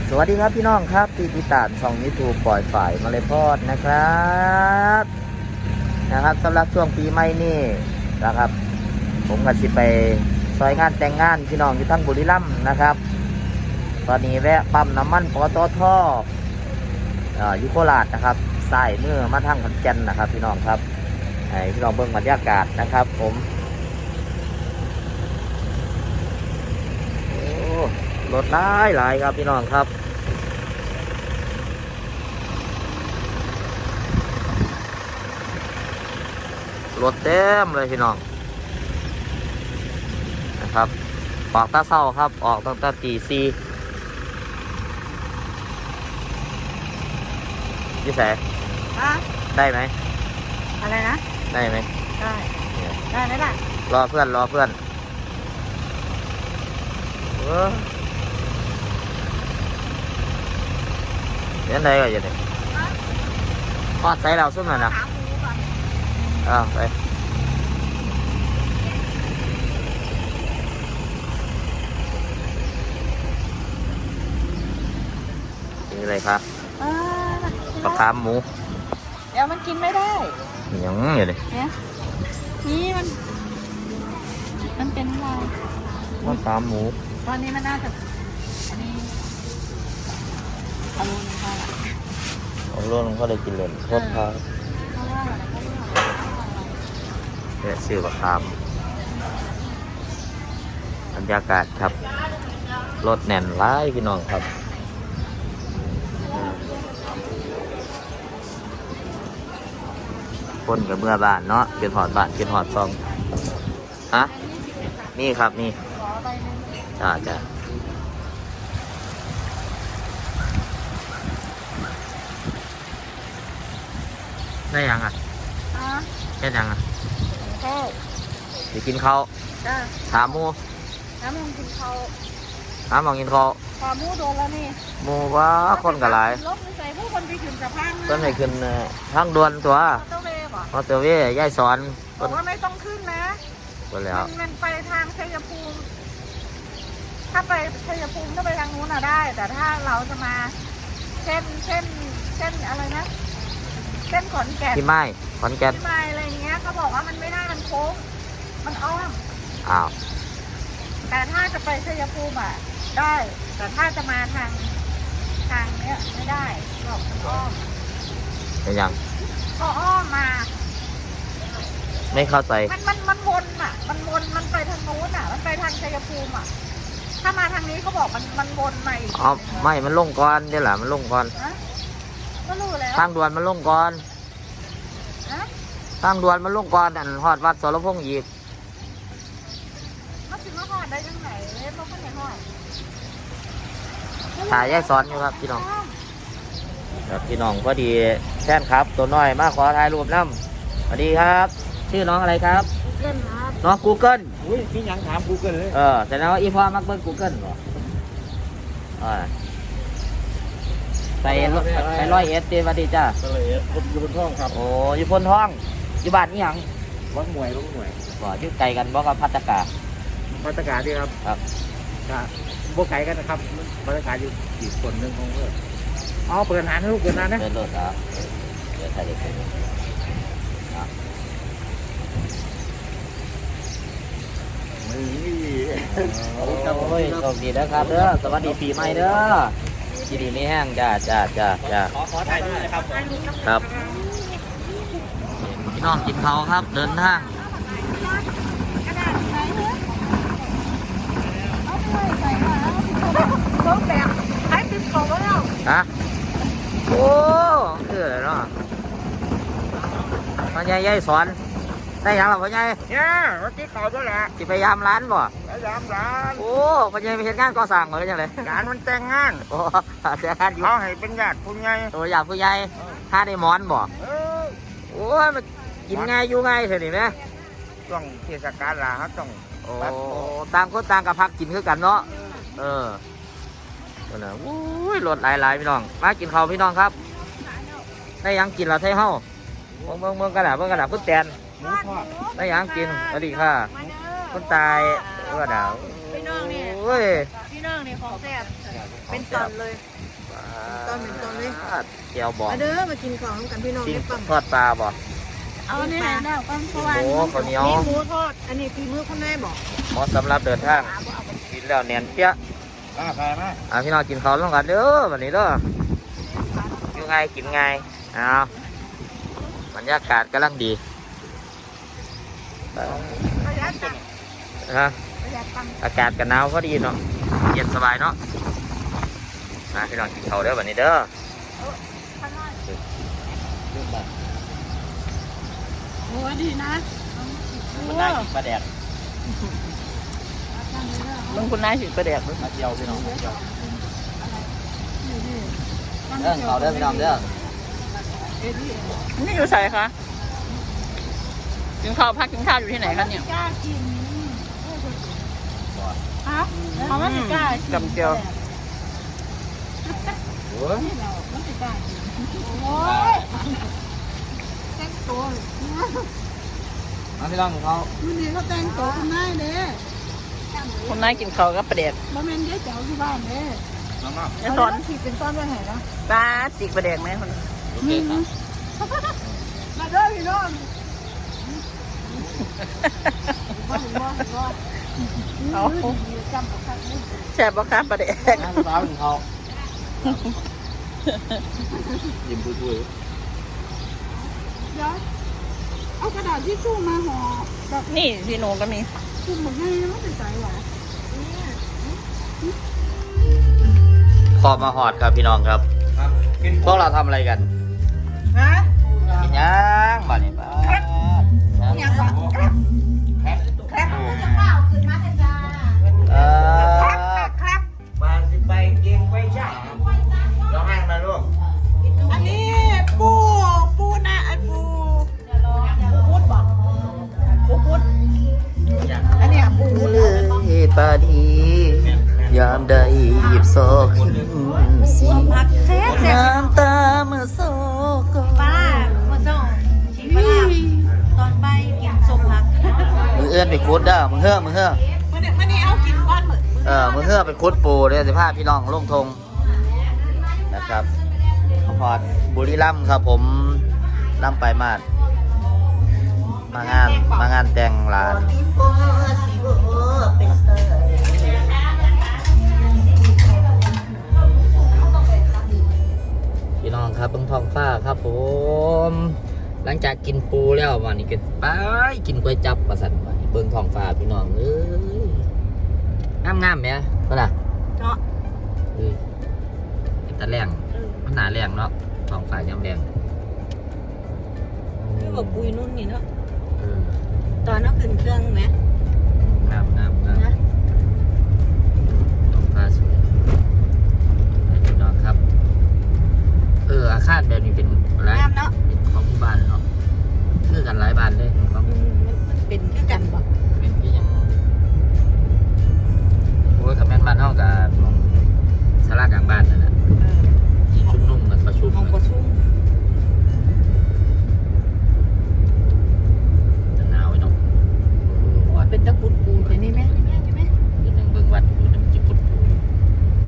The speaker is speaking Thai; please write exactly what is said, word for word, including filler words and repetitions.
สวัสดีครับพี่น้องครับที่ติดตามช่องยูทูบปล่อยฝ่ายมาเลยพอดนะครับนะครับสำหรับช่วงปีใหม่นี่นะครับผมก็สิไปซอยงานแต่งงานพี่น้องอยู่ทั้งบุรีรัมย์นะครับตอนนี้แวะปั๊มน้ำมันปตทอยู่โคราชนะครับสายมือมาทางขอนแก่นนะครับพี่น้องครับให้พี่น้องเบิ่งบรรยากาศนะครับผมรถหลายหลายครับพี่น้องครับรถเต็มเลยพี่น้องนะครับออกตาเศร้าครับออกตั้งแต่ตีสี่ยี่แสได้ไหมอะไรนะได้ไหมได้ได้ไหมล่ะรอเพื่อนรอเพื่อนเออเดี๋ยวไหนก็จะเนี่ยทอดใส่เราซุ่มหน่อยนะอ้าวไปนี่อะไรครับปลาคามหมูเดี๋ยวมันกินไม่ได้ยังอยู่เลยเนี่ยนี่มันมันเป็นอะไรปลาคามหมูตอนนี้มันน่าจะอันนี้เอาลูกนึงค่ะเอาลูกนึงก็เลยกินเลยโคตรพาเนี่ยซื้อปลาคามบรรยากาศครับรถแน่นร้ายพี่น้องครับคนกับเมื่อบ้านเนาะเป็นหอดบ้านเป็นหอดซองฮะนี่ครับนี่จ้าจ้าได้ยังอ่ะแค่ยังอ่ะข้าวจะกินข้าวถามมูน้ำมองกินข้าวน้ำมองกินข้าวถามมูโดนแล้วนี่มูว่าคนกับหลายรถใส่ผู้คนไปขึ้นสะพานต้นไหนขึ้นทางด่วนตัวมอเตอร์เวย์ย่ายสอนบอกว่าไม่ต้องขึ้นนะก็แล้วมันไปทางชัยภูมิถ้าไปชัยภูมิถ้าไปทางนู้นน่ะได้แต่ถ้าเราจะมาเช่นเช่นเช่นอะไรนะเช่นขอนแก่นที่ไม้ขอนแก่นที่ไม้อะไรเงี้ยเขาบอกว่ามันไม่ได้มันโค้งมันอ้อมอ้าวแต่ถ้าจะไปชัยภูมิอ่ะได้แต่ถ้าจะมาทางทางเนี้ยไม่ได้บอกมันอ้อมเป็นยังก็อ้อมมาไม่เข้าใจมันมันมันวนอ่ะมันวนมันไปทางนู้นอ่ะมันไปทางชัยภูมิอ่ะถ้ามาทางนี้เขาบอกมันมันวนใหม่อ๋อไม่มันลงก่อนนี่แหละมันลงก่อนก็รู้แล้วทางด่วนมันลงก่อนทางด่วนมันลงก่อนอันฮอดวัดสรพงษ์อีกมันถึงมาฮอดได้ยังไงเล่นรถข้างในฮอดถ่ายแยกซ้อนอยู่ครับพี่น้องครับพี่น้องพอดีแท่นครับตัวน้อยมาขอถ่ายรูปน้ำสวัสดีครับชื่อน้องอะไรครับเกิลครับน้องกูเกิลอุ้ยพี่ยังถามกูเกิลเลยเออแต่แล้วอีพ่อมักเบิ้งกูเกิลเหรอไปไปร้อยเอสเตวันดีจ้าร้อยเอสอยู่บนท้องครับโอ้อยู่บนท้องอยู่บ้านนี่ยังวัดมวยวัดมวยบ่อยู่ไกลกันบ่กับพัตกาพัตกาดีครับครับครับบ่ไกลกันนะครับพัตกาอยู่อีกคนหนึ่งของเพื่อนอ๋อเปิดนานลูกเปิดนานนะเปิดรถครับเดี๋ยวถ่ายเด็กโอ้ยโชคดีนะครับเด้อสวัสดีปีใหม่เด้อทีดีไม่แห้งจ้าจ้าจ้าจ้าขอขอถ่ายรูปนะครับครับพี่น้องกินเขาครับเดินทางฮะโอ้คืออะไรเนาะพ่อใหญ่ใหญ่สอนได้ยังหรอพ่อใหญ่เนี่ยวันที่เขาด้วยแหละที่พยายามร้านบ่พยายามร้านโอ้พ่อใหญ่ไปเห็นงานก่อสร้างเหรอยังไงงานมันแต่งงานโอ้แต่งงานอยู่เขาให้เป็นญาติผู้ใหญ่ตัวญาติผู้ใหญ่ถ้าได้หมอนบ่โอ้ยมันกินง่ายอยู่ง่ายเถอะนี่ไหมช่วงเทศกาลละครับต้องโอ้ต่างคนต่างกับพักกินคือกันเนาะเออตัวน่ะอุ้ยรถหลายๆพี่น้องมากินข้าวพี่น้องครับได้ยังกินละไทยเฮ้าเมืองเมืองกระดาษเมืองกระดาษพุ่นแตนได้ยังกินสวัสดีค่ะพุ่นตายเออดาวพี่น้องนี่โอ้ยพี่น้องนี่ของแซ่บเป็นตอนเลย ตอนเป็นตอนเลยเจียวบองมาเด้อมากินของกันพี่น้องปิ้งได้ปังทอดปลาบ่เอาเนี่ยแล้วก็เพราะว่าโอ้ข้าวเหนียวมีหมูทอดอันนี้พี่มือข้างในบอกเหมาะสำหรับเดินทางกินแล้วเนียนเปี้ยมาไปมาอ่ะพี่น้องกินข้าวร่วมกันเด้อวันนี้เด้ออยู่ไงกินไงเอาบรรยากาศกำลังดีประหยัดตังค์ฮะประหยัดตังค์อากาศกันหนาวพอดีเนาะเย็นสบายเนาะมาพี่น้องกินข้าวเด้อวันนี้เด้อข้างนอกลืมไปโอ้ดีนะมันได้กินปลาแดกมึงคุณนายสิประเดี๋ยวมาเจียวพี่น้องมาเจียวเด้อข้าวเด้อพี่น้องเด้อนี่อยู่ใส่คะกินข้าวพักกินข้าวอยู่ที่ไหนคะเนี่ยกล้ากินฮะเขาไม่กล้ากินกับเจียวโอ้ยโอ้ยแต่งตัวมาพี่น้องเขาวันนี้เขาแต่งตัวคุณนายเด้คนนายกินข้าวกับประเด็กบ่แม่นเด้เจ้าที่บ้านเด้น้องน้องไอ้สอนขีดเป็นต้นไว้ให้นะปลาจิกประเด็กไหมคนโอเคครับมาเด้อพี่น้องบ่บ่บ่เอาจำกับคักนี่แซ่บบ่คะประเด็กน้ำปลาของเขายิ้มปุ้ยเดี๋ยวเอากระดาษทิชชู่มาห่อแบบนี่พี่หนูก็มีคุมหมดให้มันเป็นใจหวานพอมาหอดครับพี่น้องครับๆครับกินพวกเราทำอะไรกันฮะกินย่างบ้านี่บ้ายังก่อนครับแพ็คครับจะข้าวขึ้นมาจ้าเออครับมาสิไปเกียงไปใช่ร้องไห้มาลูกอันนี้ปูปูนะไอปูปูพุดบอกปูพุดอันนี้ปูพุดเลยปาดียามใดหยิบโซขึ้นสิผักแซ่บแซ่บน้ำตาเมื่อโซก็ปลาเมื่อส่งชิมปลาตอนไปกินสมผักมึงเอื้อนไปคุดเด้อมึงเฮือมึงเฮือมันนี่มันนี่เอากินก้อนเหมือนเออมึงเฮือไปคุดปูเด้อสิพาพี่น้องลงทงนะครับพอดบุรีรัมย์ครับผมล่ำไปมาดมางานมางานแต่งหลานพี่น้องครับเบิ่งท้องฟ้าครับผมหลังจากกินปูแล้ววันนี้ก็ไปกินก๋วยจับประสันวันนี้เบิ่งท้องฟ้าพี่น้องเอ้ยงามงามๆไหมก็ล่ะเนาะเอ้ยเป็นตะแรงมันหนาแรงเนาะท้องฟ้ายามแรงคือแบบปุยนุ่นนี่เนาะเออตอนนั้นขึ้นเครื่องไหมงามงามงามนะท้องฟ้าสวยให้พี่น้องครับ เอออาคารแบบนี้เป็นอะไรงามเนาะเป็นของหมู่บ้านเนาะคือกันหลายบ้านเลยของอืมมันมันเป็นคือกันบ